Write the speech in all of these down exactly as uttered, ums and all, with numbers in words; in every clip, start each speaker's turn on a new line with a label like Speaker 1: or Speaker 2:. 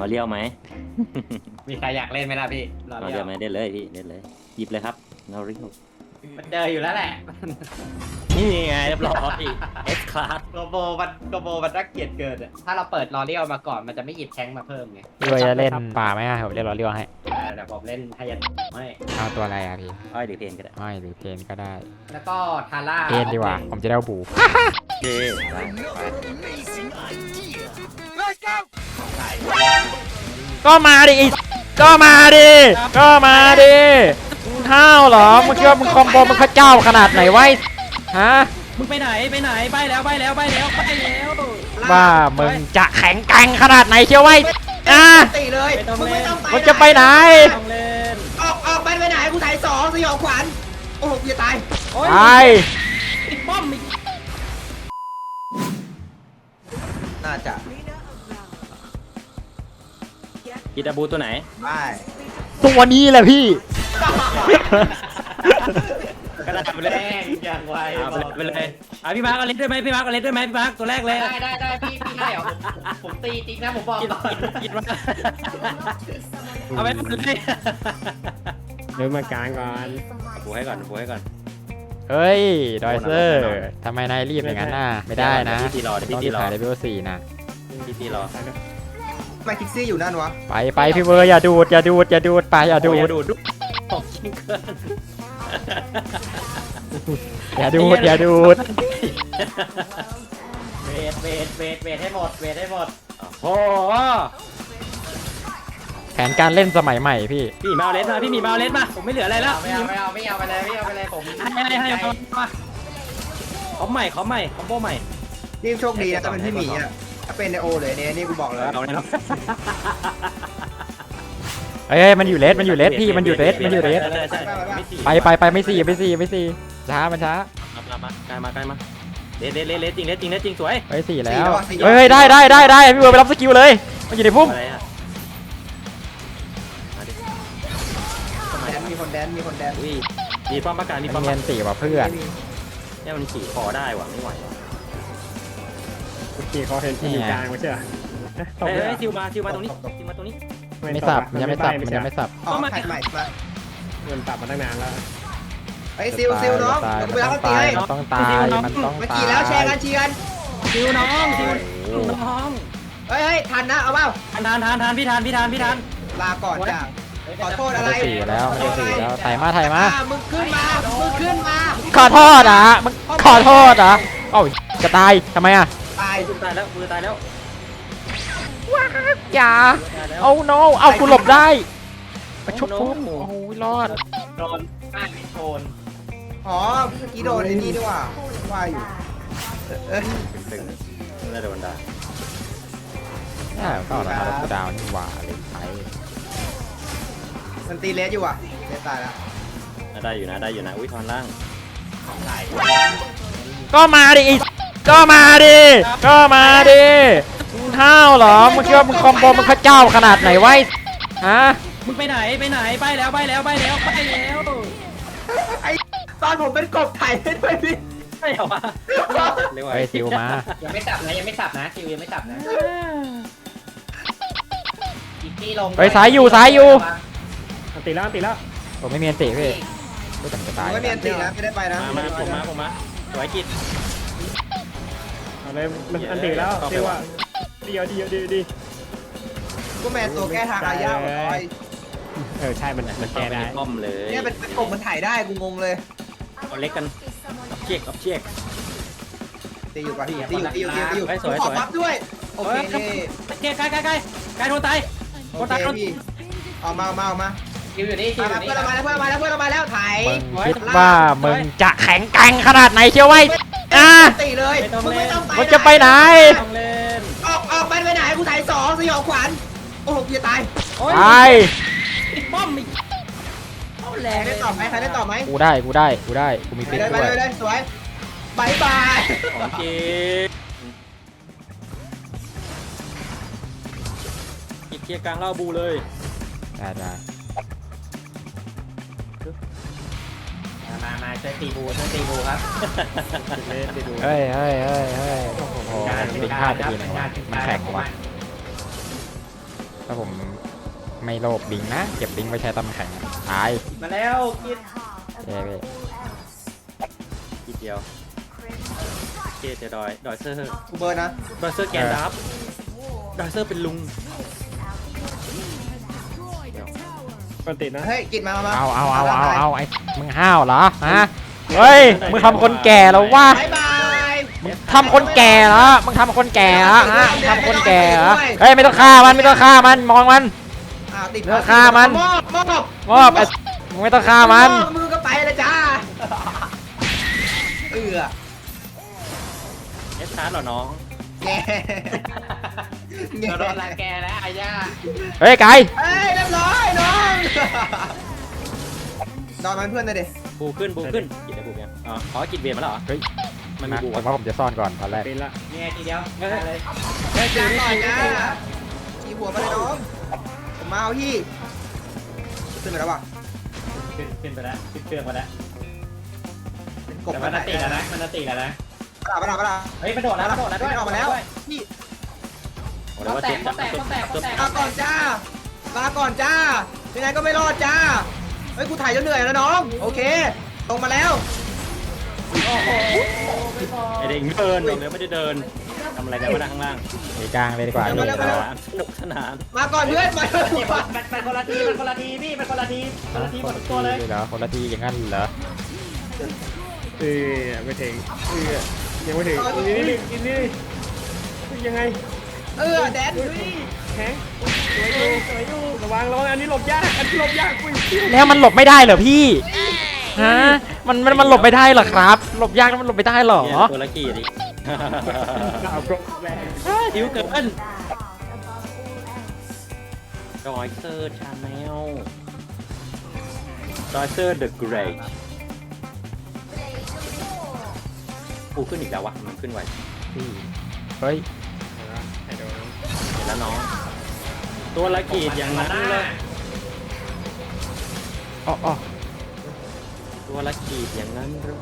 Speaker 1: อเลี้ยวไหม
Speaker 2: มีใครอยากเล่นไหมล่ะพี่รอ
Speaker 1: รอ
Speaker 2: เรี
Speaker 1: เลี้
Speaker 2: ย
Speaker 1: ยว วไหมได้เลยพี่ได้เลยหยิบเลยครับรอเลี้ยว
Speaker 2: มันเจออยู่แล้วแหละ
Speaker 1: นี่ไงเรียบร้อย S class
Speaker 2: โกโบมันโกโบมันรักเกียรติเกินอะถ้าเราเปิดรอเรียวมาก่อนมันจะไม่หยิบแทงมาเพิ่มไง
Speaker 3: พี่ว่าจะเล่นป่าไหมอ่ะผมเล่นรอเลี้ยวให้
Speaker 2: เออแต่ผมเล่นไฮยันไม่
Speaker 3: เอาตัวอะไรอ่ะพี่
Speaker 1: อ้อยหรือเพนก็ได้
Speaker 3: อ้อยหรือเพนก็ได้
Speaker 2: แล้วก็ทาร่า
Speaker 3: เพนดีกว่าผมจะได้เอาบู
Speaker 1: เย้ไปไป
Speaker 3: ก็มาดิอีก็มาดิก็มาดิมึงห้าวเหรอมึงคิดว่ามึงคอมโบมึงพระเจ้าขนาดไหนไว้ฮะ
Speaker 4: มึงไปไหนไปไหนไปแล้วไปแล้วไปแล้วไปแล้ว
Speaker 3: ว่ามึงจะแข็งแกร่งขนาดไหนเชียวไว้อ่ะ
Speaker 2: ตีเลยมึงไม่ต้อง
Speaker 3: มึงจะไปไหน
Speaker 4: ต้องเล่น
Speaker 2: ออกออกไปไปไหนกูถ่ายสองสยองขวัญโอ้โหอย่าตาย
Speaker 4: โอ้ย
Speaker 3: ไป
Speaker 4: ติดป้อมอีก
Speaker 2: น่าจะ
Speaker 1: กีตาบูตัวไหน
Speaker 2: ไม่
Speaker 3: ตัวนี้แหละพี่
Speaker 1: ก็ได้ไปเลย
Speaker 2: แรงอย่างไว
Speaker 1: เอาไปเลยไปเลย
Speaker 4: อ่ะพี่มาร์กเอาเล็ดด้วยไหมพี่มาร์กเอาเล็ดด้วยไหมพี่มาร์กตัวแรกเลย
Speaker 2: ได้ได้ได้พี่พี่ให้เหรอผมตีจริงนะผมบอก
Speaker 4: กิน
Speaker 2: ก่อน
Speaker 4: กินมาเอาไปหมดเลย
Speaker 5: เดินมากลางก่อน
Speaker 1: บูให้ก่อนบูให้ก่อน
Speaker 3: เฮ้ยดอยเซอร์ทำไมนายรีบอย่างนั้นน่ะไม่ได้นะ
Speaker 1: พี่ตีรอ
Speaker 3: ต้
Speaker 1: พี่
Speaker 3: อง
Speaker 1: ตี
Speaker 3: รีบ
Speaker 1: รอ
Speaker 3: ขายเลเวลสี่นะ
Speaker 1: พี่ตีรอ
Speaker 2: ทำไมคิกซี่อยู่นั่นวะ
Speaker 3: ไปไปพี่เบอร์อย่าดูดอย่าดูดอย่าดูดไปอย่าดู
Speaker 1: อย่า
Speaker 3: ด
Speaker 1: ดูดของจริงเกิน
Speaker 3: อย่าดูดอย่าดูด
Speaker 2: เวทเวทเวทเวทให้หมดเวทให้หมด
Speaker 1: โอ้โห
Speaker 3: แผนการเล่นสมัยใหม่พี่
Speaker 4: พี่มาเอาเล็ดมาพี่มีมาเอาเล็ดมาผมไม่เหลืออะไรแล้ว
Speaker 2: ไม่เอาไม่เอาไม่เอาไปเลยไม่เอาไปเลยผม
Speaker 4: ให้ให้ให้เอามาขอใหม่ขอใหม่คอมโบใหม่
Speaker 6: นี่โชคดีนะถ้าเป็นพี่หมีอ่ะถ้าเป็นในโอเลยเนี่ยนี่กูบอกเลย
Speaker 1: เอาเลยเนาะ
Speaker 3: เอ้ยมันอยู่เลสมันอยู่เลสพี่มันอยู่เลสมันอยู่เลส
Speaker 1: ใช่ใช่ไม่สี่
Speaker 3: ไปไปไปไม่สี่ไม่สี่ไม่สี่ช้ามันช้า
Speaker 1: มามาใกล้มาใกล้มาเลสเลสเลสเลสจริงเลสจริงเลสจริงสวย
Speaker 3: เฮ้ยสี่แล้วเฮ้ยได้ได้ได้ได้พี่เบอร์ไปรับสกิลเลยมันอยู่ในพุ่ม
Speaker 1: อะไรอ่ะมาดิ
Speaker 6: แดนมีคนแดนมีคนแดน
Speaker 1: อุ้ยมีป้อมประกาศมีป้
Speaker 3: มั
Speaker 1: อน ม
Speaker 3: เงียนสี่ว่ะเพื่อน
Speaker 1: เนี่ยมันขี่คอได้ว่ะไม่ไหวว่ะ
Speaker 5: เมื่อกี้เขาเห็นที่อยู่กลางไม่ใช่เหรอตบ
Speaker 1: เฮ้ย
Speaker 5: เลย
Speaker 1: เฮ้ยซิวมาซิวมาตรงนี้ซิวมาตรงนี้
Speaker 3: ไม่สับมันยังไม่สับมันยังไม่สับ
Speaker 6: อ๋อแพทใหม่มา
Speaker 5: เงินตับมาตั้งนานแล้ว
Speaker 6: ไอ้ซิลซิลน้อง
Speaker 3: ตาย
Speaker 6: เดี๋ยวกู
Speaker 3: มัน
Speaker 6: ไปรับ
Speaker 3: ต้อง
Speaker 6: ตี
Speaker 3: ตาย
Speaker 6: ให้
Speaker 3: มันต้องตายมันต้อง
Speaker 6: เมื่อ
Speaker 3: ตาย
Speaker 6: กี้แล้วแชร์กันเชียร์กัน
Speaker 4: ซิวน้องซิว
Speaker 3: โอ้โห
Speaker 4: น้อง
Speaker 6: เฮ้ยเฮ้ยทันนะเอาเปล่า
Speaker 4: ทานทานทานทานพี่ทานพี่ทานพี่ทาน
Speaker 6: ลาก่อนจ้าขอโทษ
Speaker 3: มัน
Speaker 6: อะไร
Speaker 3: จะสี่แล้วมันจะสี่แล้วถ่ายมาถ่ายมา
Speaker 6: อ่มึงขึ้นมามึงขึ้นมา
Speaker 3: ขอโทษอ่ะมึงขอโทษอ่ะเอ้าจะตายทำไมอ่ะ
Speaker 6: ตาย
Speaker 1: ตายแล้วมือตายแล้ว
Speaker 3: อย่า
Speaker 1: ตายแล้ว
Speaker 3: เอา no เอากูหลบได้มาชุบพุ่มโอ้ยรอด
Speaker 2: โดนมากโดน
Speaker 6: อ๋อเมื่อกี้โดนไอ้นี่ด้วยว่ะว่าอยู่เอ้ย
Speaker 1: ตึงน่าจะโดนด่า
Speaker 3: น่าก็เอาละครับกูดาวนี่หว่าเลยไทย
Speaker 6: มันตีเลสอยู่อ่ะเลสตายแล้ว
Speaker 1: ได้อยู่นะได้อยู่นะอุ้ยทอนล่าง
Speaker 3: ก็มาดิอีก็มาดิก็มาดิมึงห้าวเหรอมึงคิดว่ามึงคอมโบมึงพระเจ้าขนาดไหนไว้ฮะ
Speaker 4: มึงไปไหนไปไหนไปแล้วไปแล้วไปแล้วไปแล้ว
Speaker 6: ไอ้ตอนผมเป็นกบไถ่ให้ด้วยพี่
Speaker 4: ไม่เหรอวะ
Speaker 1: เรียกว่า
Speaker 3: เฮ้ยซิวมา
Speaker 2: ยังไม่สับนะยังไม่สับนะคิวยังไม่สับนะอีกที่ลง
Speaker 3: เฮ้ยสายอยู่สายอยู่
Speaker 5: อันตีแล้วอันตีแล้ว
Speaker 3: ผมไม่มีอันติพี่รู้แต่มันจะตาย
Speaker 6: ไม่มีอันตีนะไม่ได้ไปนะ
Speaker 1: มามาผมมาผมมาสวยกิจ
Speaker 5: เอาเลยมันอันตีแล้วซิวอ่ะเดียวเดียวดีดี
Speaker 6: กูแมนตัวแก้ทางอาญาหมดเลย
Speaker 5: เออใช่มันมันแก้ได้
Speaker 1: ป้อมเลย
Speaker 6: เนี่ยเป็นกบมันถ่ายได้กูงงเลย
Speaker 1: เอาเล็กกันกับเช็คกับเช็ค
Speaker 6: ตีอยู่ป่ะตีอยู่ตีอยู่ตีอยู่ตีอยู่
Speaker 1: เฮ้ยสวย
Speaker 6: ขอ
Speaker 1: สวย
Speaker 6: ปั๊บด้วยโอเค
Speaker 4: เกยใกล้ใกล้ใกล้ใกล้โดนตาย
Speaker 6: โอเคพี่เอามาเอามาเอามา
Speaker 2: คิวอยู่นี่คิว
Speaker 6: มา
Speaker 2: อยู่
Speaker 6: เพื่อน
Speaker 2: นี่
Speaker 6: เรามาแล้วเพื่อนเรามาแล้วเพื่อนเรามาแล้วถ่าย
Speaker 3: มึงคิดว่ามึงจะแข็งแกร่งขนาดไหนเชียวไว้อ่ะ
Speaker 6: ตีเลยมึงไม่ต้องไป
Speaker 3: มึงจะไปไหน
Speaker 4: ต้องเล่น
Speaker 6: ออกออกไปไปไหนกูถ่ายสองสยองขวัญโอ้โหอย่าตาย
Speaker 4: โอ้ย
Speaker 3: ไป
Speaker 4: ติดป้อมอีกเอาแร
Speaker 6: ใครง ได้ตอบไหมใครได้ตอบไหม
Speaker 3: กูได้กูได้กูได้กูมี
Speaker 6: ไป
Speaker 3: ฟิก
Speaker 6: เลยไป
Speaker 3: ด้วย
Speaker 6: เลยเลยสวยบายบาย
Speaker 1: ของจริงกิจเคลียร์กลางเล่าบูเลย
Speaker 3: ได้ได้
Speaker 2: มามาช่วยตีบูช่วยตีบูครับ
Speaker 5: เล่นไปดู
Speaker 3: เฮ้ยเฮ้ยเฮ้ยเฮ้ยโอ้โหมันเป็นพลาดไปทีนึงวะมันแข็งวะเอถ้าผมไม่โลภบิงนะเก็บบิงไว้ใช้ตำแข็งตาย
Speaker 2: มาแล้วกิน
Speaker 3: เย้เว้ย
Speaker 4: ทีเดียวเกตดอยดอยเซอร์
Speaker 6: กูเบิร์นนะ
Speaker 4: ดอยเซอร์แกนดับดอยเซอร์เป็นลุง
Speaker 5: ปกตินะ
Speaker 6: เฮ้ยกินมามา
Speaker 3: เอาเอาเอาเอาเอาไอ้มึงห้าวเหรอฮะเฮ้ยมึงทำคนแก่แล้ววะ
Speaker 6: บายบาย
Speaker 3: ทำคนแก่เหรอมึงทำคนแก่เหรอฮะมึงทำคนแก่เหรอเฮ้ยไม่ต้องฆ่ามันไม่ต้องฆ่ามันมองมัน
Speaker 6: อ่าติด
Speaker 3: เลิกฆ่ามัน
Speaker 6: มอบมอบ
Speaker 3: มอบไอ้มึงไม่ต้องฆ่ามัน
Speaker 6: มอบมือก็ไปเลยจ้าเอือ
Speaker 4: เอสชาร์ดเหรอน้อง
Speaker 6: แง่
Speaker 2: เดี๋ยวโดนรังแกแล้วอาญา
Speaker 3: เฮ้ยไก่
Speaker 6: เฮ้ยเรียบร้อยน้องนอนมันเพื่อนเลยดิ
Speaker 4: บูขึ้นบูขึ้นกินได้บูยังอ๋อขอกินเบียร์มาแล้วเหรอ
Speaker 3: เฮ้ย
Speaker 4: มันมี
Speaker 3: นะ
Speaker 4: บู
Speaker 3: ผม
Speaker 4: อ่ะ
Speaker 3: ว่าผมจะซ่อนก่อนตอนแรก
Speaker 5: เป็นละ
Speaker 2: เนี่ยทีเดียวได้เลย
Speaker 6: เฮ้ยจ้าก่อนจ้ามีหัวมาเลยน้องผมมาเอาพี่ขึ้นไปแล้วว่ะ
Speaker 2: ขึ้นขึ้นไปแล้วขึ้นเครื่องมาแล้ว
Speaker 6: เป็นกบ
Speaker 2: แต่มันตีแล้วนะมันตีแล้วนะ
Speaker 6: ปลาปลาปลา
Speaker 2: เฮ้ยมันโดดแล้วมันโดดแล้วด้วย
Speaker 6: ออกมาแล้วพี่
Speaker 4: โอ้แล้วว่าเจ็บจับมัน
Speaker 6: มาก่อนจ้ามาก่อนจ้ายังไงก็ไม่รอดจ้าเฮ้ยกูถ่ายจนเหนื่อยแล้วน้องโอเคตรงมาแล้ว
Speaker 4: ไอเด็กเดินบอกเลยไม่ได้เดินทำอะไรกันวะนะข้างล่าง
Speaker 3: ไปกลางเลยดีกว่า
Speaker 6: เดี๋ยวมาเร็วมาเร็ว
Speaker 4: สนุกสนาน
Speaker 6: มาก่อนเพื่อนมาเถอะ
Speaker 2: มันมันคนละทีมันคนละทีพี่มันคนละทีคนละทีหมดทุกตัวเลย
Speaker 3: เหรอคนละทีอย่างนั้นเหรอ
Speaker 5: เออไม่ถึงเออยังไม่ถึงนี่นี่นี่นี่ยังไง
Speaker 6: เออแดน
Speaker 5: แข็งสวยอยู่สวยอยู่ระวังระวังอันนี้หลบยากอันนี้หลบยากอุ้ย
Speaker 3: แล้วมันหลบไม่ได้เหรอพี่ฮะมันมันมันหลบไม่ได้เหรอครับ หลบยากแล้วมันหลบไม่ได้เหรอ
Speaker 4: เนี่ยตัวละกี่ดิ
Speaker 5: ดาวกรอบแรง
Speaker 4: หิวเกินดอยเซอร์ชาแนลดอยเซอร์เดอะเกรทกูขึ้นอีกแล้ววะมันขึ้นไว
Speaker 3: เฮ้ย
Speaker 5: ไอ้โดน
Speaker 4: เห็นแล้วน้อง ตัวละกี่อย่างนั้นเลย
Speaker 3: อ๋ออ๋อ
Speaker 4: ตัวละกี่อย่างนั้นเลย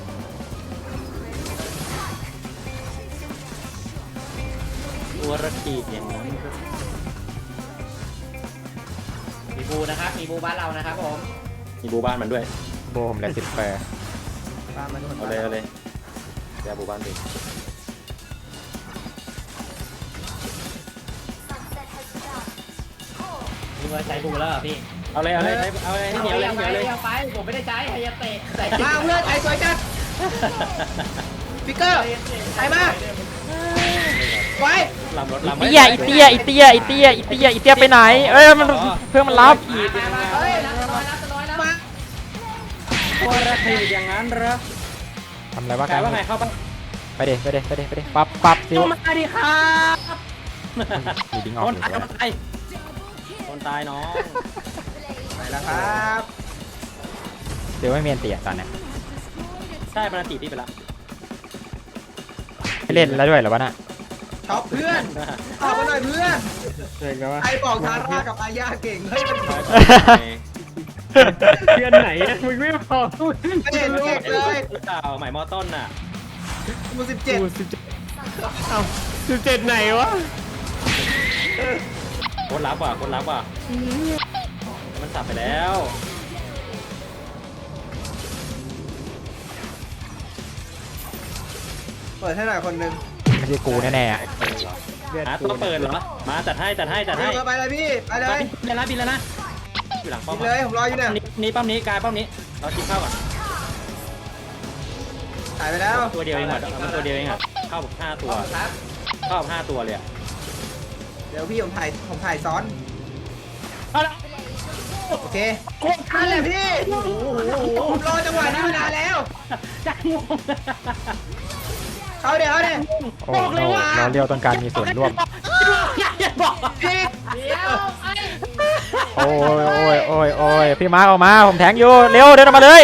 Speaker 4: ตัวละกี่อย่างนั้นเลย
Speaker 2: มีบูนะครับมีบูบ้านเรานะครับผม
Speaker 4: มีบูบ้านมันด้วย
Speaker 3: โบผมเหลือสิบแปด
Speaker 6: ตามมาทุกคน
Speaker 4: เอาเลยเอาเลยเดี๋ยวบูบ้านดิ
Speaker 2: มีเบอร์ใช้บูแล้วเหรอพี่
Speaker 4: เอาเลยเอาเลยเอาเลยให้เหนียวเลยให้เหนียวเลย
Speaker 2: เอาไปผมไม่ได้ใช้ไฮยาเตะใส่
Speaker 6: มาเพื่อนไอ้สวยจัดฟิกเกอร์ไอ้มาไว้
Speaker 4: ลำรถ
Speaker 3: อี
Speaker 4: ลำ
Speaker 3: เตี้ยอีเตี้ยอีเตี้ยอีเตี้ยอีเตี้ยอีเตี้ยไปไหนเอ้ยมันเพื่อนมันรับ
Speaker 4: ขีดอย่างนั้น
Speaker 2: เฮ้ยรับน้อยรับน้อยแล้ว
Speaker 6: มา
Speaker 4: ตัวละขีดอย่างนั้นเหรอ
Speaker 3: ทำอะไรวะ
Speaker 4: กลายว่าไงเข้าปะ
Speaker 3: ไปเดไปเดไปเดไปเดปั๊บปั๊บซิว
Speaker 4: เข้ามาดิครับ
Speaker 3: มีดิ้งออ
Speaker 4: ค
Speaker 3: ก
Speaker 4: น
Speaker 3: อยู่
Speaker 4: ตาย
Speaker 3: ด้วย
Speaker 4: คนตายคนตายน้อง
Speaker 6: ไปแล้วครับ
Speaker 3: เดี๋ยวไม่มีอันเตียตอนเนี้ย
Speaker 4: ใช่ปนาติที่ไปละ
Speaker 3: ไม่เล่นแล้วด้วยเหรอวะน่ะ
Speaker 6: ช็อปเพื่อนตอบมาหน่อยเพื่อน
Speaker 5: เก่งกันวะ
Speaker 6: ใครบอกทาร่ากับอาญาเก่งเฮ้ยมัน
Speaker 5: เพื่อนไหนมึงไม่บอก
Speaker 6: ไม่เห็นเก่งเลย
Speaker 4: เปล่าใหม่มอต้นน่ะ
Speaker 6: มูสิบเจ็ด
Speaker 5: กูสิบเจ็ดเอ้าสิบเจ็ดไหนวะ
Speaker 4: โคตรลับว่ะโคตรลับว่ะมันสับไปแล้ว
Speaker 6: เปิดให้หน่อยคนหนึ่ง
Speaker 3: ไม่ใช่กูแน่ๆอะ
Speaker 4: หาตัวเปิดเหรอมาจัดให้จัดให้จัดให้
Speaker 6: ไปเลยพี่ไปเลย
Speaker 4: บินแล้วนะบินแล้วนะอยู่หลังป้อม
Speaker 6: กินเลยผมรออยู่เนี่ย
Speaker 4: นี่ป้อมนี้กายป้อมนี้เรากินข้าวก่อน
Speaker 6: ถ่ายไปแล้ว
Speaker 4: ตัวเดียวเองอ่ะมันตัวเดียวเองอ่ะเข้าแบบห้าตัว
Speaker 2: ครับ
Speaker 4: เข้าแบบห้าตัวเลยอ่ะ
Speaker 6: เดี๋ยวพี่ผมถ่ายผมถ่ายซ้อน
Speaker 4: เอาละ
Speaker 6: โอเคนั่นแหละพี่ผมรอจังหวะนี้มานานแล้ว
Speaker 4: จังงง
Speaker 6: เขาเดี๋ยวเขาเดี๋ยว
Speaker 3: โอ้โหเราเรียวต้องการมีส่วนร่วม
Speaker 4: อย่าบอก
Speaker 6: พี่
Speaker 2: เดี๋ยวไอ้
Speaker 3: โอ้ยโอ้ยโอ้ยโอ้ยพี่มาร์คออกมาผมแทงอยู่เร็วเดินออกมาเลย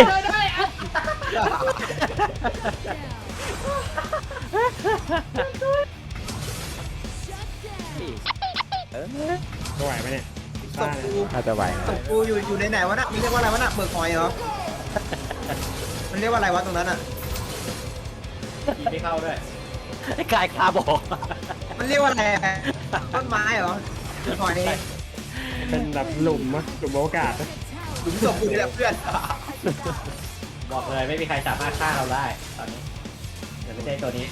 Speaker 5: จะไหวไหมเนี่ย
Speaker 6: ศพกู
Speaker 3: น่าจะไหว
Speaker 6: ศพกูอยู่อยู่ในไหนวะน่ะมันเรียกว่าอะไรวะน่ะเบิกหอยเหรอมันเรียกว่าอะไรวะตรงนั้นอ่ะ
Speaker 2: ขี่ไม่เข้าด้วย
Speaker 4: ไอ้กายคาบอก
Speaker 6: มันเรียกว่าอะไรต้นไม้เหรอเบิกหอยนี่
Speaker 5: เป็นแบบหลุมอะหลุมโอกาสอะ
Speaker 6: หลุมศพกูนี่แหละเพื่อน
Speaker 2: บอกเลยไม่มีใครสามารถฆ่าเราได้ตอนนี้เดี๋ยวไม่ใช่ตัวนี้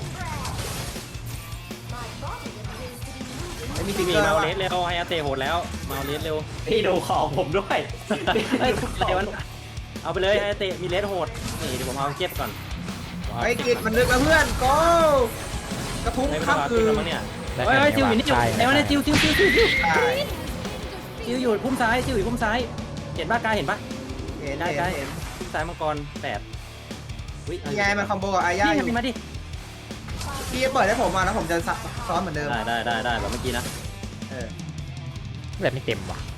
Speaker 6: ไม่มีติ๊ก
Speaker 4: มี
Speaker 6: เกอร์
Speaker 4: เมา
Speaker 6: แล้ว
Speaker 4: เล
Speaker 6: อะ
Speaker 4: สเร็วไฮอาเตะโหดแล้วเมาเลสเร็ว
Speaker 2: พี่ดูของผมด้วย
Speaker 4: เฮ้ยอะไรวะเอาไปเลยไฮอาเตะมีเลสโหดนี่เดี๋ยวผมเอาเก็บก่อน
Speaker 6: ไอ้กิจมันนึกแล้วเพื่อนโก้กระทุ้ง
Speaker 4: ไม่
Speaker 6: ข้าม
Speaker 4: ต้อง
Speaker 6: คื
Speaker 4: กิน
Speaker 6: น
Speaker 4: แล้วมั้งเนี่ย
Speaker 3: ได้
Speaker 4: เฮ้ย
Speaker 3: แค่
Speaker 4: เฮ้ย
Speaker 3: นี้
Speaker 4: จิวอยู่นี่อยู่
Speaker 3: ใช่
Speaker 4: ไหนวะเนี่ยจิวจิวจิวจิวจิว
Speaker 6: ใช่
Speaker 4: จิวอยู่พุ่มซ้ายจิวอยู่พุ่มซ้ายเห็นป่ะกายเห็นป่ะ
Speaker 6: เห็น
Speaker 4: ได้
Speaker 6: เห็น
Speaker 4: ได้
Speaker 6: เห็น
Speaker 4: พุ่มซ้ายมังกรแปดอุ้ย
Speaker 6: นี่ไงมันคอมโบกับอาญาอยู่
Speaker 4: นี่มาดิ
Speaker 6: พี่เปิดให้ผมมาแล้วผมจะซ้อนเหมือนเดิม
Speaker 4: ได้ได้ได้ได้แบบเมื่อกี้นะ
Speaker 6: เออ
Speaker 3: แบบไม่เต็มว่ะ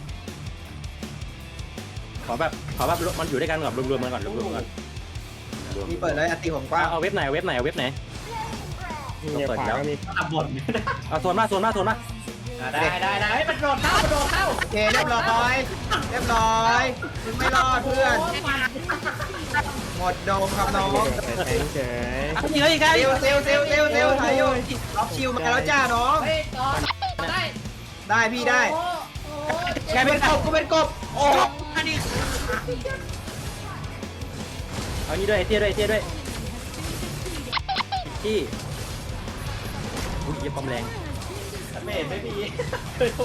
Speaker 4: ขอแบบขอแบบมันอยู่ด้วยกันก่อนรวมๆกันก่อนรวมๆกัน
Speaker 6: พี่เปิดเลยอัติผมกว้าง
Speaker 4: เอาเว็บไหนเว็บไหนเว็บไหน
Speaker 5: เนี่ยขวาก็มี
Speaker 2: ตับบท
Speaker 4: เอาโซนมาโซนมาโซนมา
Speaker 2: ได้ได้ได้มันโดดเข้ามันโดดเข้า
Speaker 6: โอเคเรียบร้อยเรียบร้อยมึงไม่รอดเพื่อนหมดโดมครับน้อง
Speaker 5: แทงเฉย
Speaker 4: เอาจริงเลยอีกไง
Speaker 6: เซลเซลเซลเซลเซลถ่ายอยู่ล็อกชิวมาแล้วจ้าน้อง
Speaker 2: เฮ้ยต่อได้
Speaker 6: ได้พี่ได้
Speaker 4: แก
Speaker 6: กู
Speaker 4: เป็
Speaker 6: เป็น นกบกูเป็นกบโอ้
Speaker 4: เอานี่ด้วยไอเตี้ยด้วยไอเตี้ยด้วยที่อุ้ยเยี่ยมความแรง
Speaker 2: ไม่เห็นไม่มีช่วยด้วย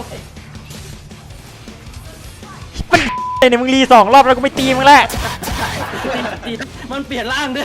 Speaker 3: มันไอ้เนี่ยมึงรีสองรอบแล้วกูไม่ตีมึงแล้ว
Speaker 4: ตีมันเปลี่ยนร่างด้วย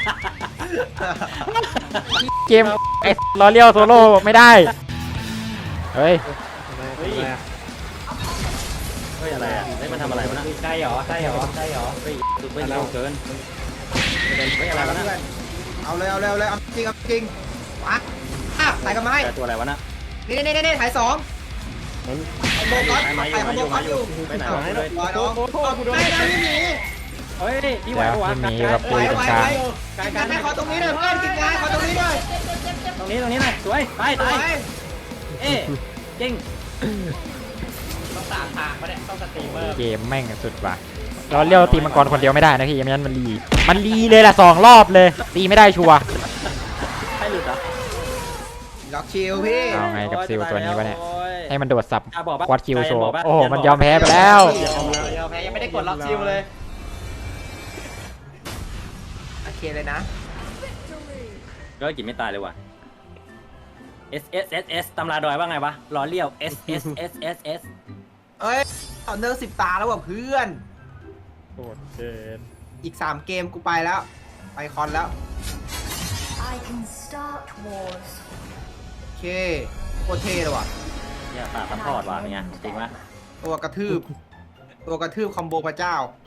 Speaker 3: เกมไอ้ลอเลียวโซโล่ไม่ได้ เฮ้ย
Speaker 5: เฮ้ยอะไรอะ
Speaker 4: เฮ้ยอะไรอ่ะเฮ้ยมันทำอะไรวะนะ
Speaker 2: ได้เหรอได้เหรอได้เหรอ
Speaker 4: เฮ้ยสุดไปเร็วเกินเฮ้ยอะไรวะนะ
Speaker 6: เอาเลยเอาเลยเอาเลยเอาจริงเอาจริงมาอ่ะถ่ายกันมาให้
Speaker 4: แต่ตัวอะไรวะนะ
Speaker 6: นี่นี่นี่นี่ถ่ายสอง
Speaker 5: มัน
Speaker 6: คอมโบก๊อต
Speaker 4: มา
Speaker 6: ถ่ายคอมโบ
Speaker 4: อยู่
Speaker 6: ก๊อ
Speaker 4: มา
Speaker 6: ต
Speaker 4: อ
Speaker 6: อยู่ ยู่
Speaker 4: ไปไหนวะเลย
Speaker 6: รอน้องไม่ได้ไม่มี
Speaker 4: เฮ้ยพี่ไหว
Speaker 3: เดี๋ยว
Speaker 4: ปะวะ
Speaker 3: ไม่มี
Speaker 4: กาย
Speaker 3: กับปุยตรงกลาง
Speaker 4: กาย
Speaker 6: กิน
Speaker 4: กาย
Speaker 6: แม่ขอตรงนี้หน่อยเพื่อนกินงานขอตรงนี้หน่อย
Speaker 4: ตรงนี้ตรงนี้หน่อยสวยตาย
Speaker 6: ส
Speaker 4: ตา
Speaker 6: วย ย
Speaker 4: เอ๊ะจริง
Speaker 2: ต้องสามทางปะเนี่ยต้องสตรีมเมอร์
Speaker 3: เกมแม่งสุดว่ะลอเลียวตีมังกรคนเดียวไม่ได้นะพี่ไม่งั้นมันรีมันรีเลยล่ะสองรอบเลยตีไม่ได้ชัวร์
Speaker 4: ใครหลุดอ่ะ
Speaker 6: ล็อกชิลพี่
Speaker 3: เอาไงกับซิลตัวนี้วะเนี่ย
Speaker 4: โอ้ย
Speaker 3: ให้มันโดดสับ
Speaker 4: อ่ะบอกปะ
Speaker 3: ควัดคิวโชว์
Speaker 4: บอกปะ
Speaker 3: โอ้โห
Speaker 4: เดี๋ยว
Speaker 3: มัน
Speaker 4: บอก
Speaker 3: ยอมแพ้ไปแล้ว
Speaker 2: เดี๋ยวเดี๋ยวแพ้ยังไม่ได้กดล็อกชิวเลย
Speaker 6: โอเคเลยนะ
Speaker 4: ก็กินไม่ตายเลยว่ะ S S S S ตำราดอยว่าไงวะล้อเลี้ยว S S S S S
Speaker 6: เอ้ยเอาเนิร์สิบตาแล้วว่ะเพื่อน
Speaker 5: โคตรเกิน
Speaker 6: อีกสามเกมกูไปแล้วไปคอนแล้ว
Speaker 7: I can start wars.
Speaker 6: โอเคโคตรเท่เลยว่ะ
Speaker 4: เนี่ยตาซัพพอร์ตว่ะเป็นไงจริงปะ
Speaker 6: ตัวกระทืบ ตัวกระทืบคอมโบพระเจ้า
Speaker 7: I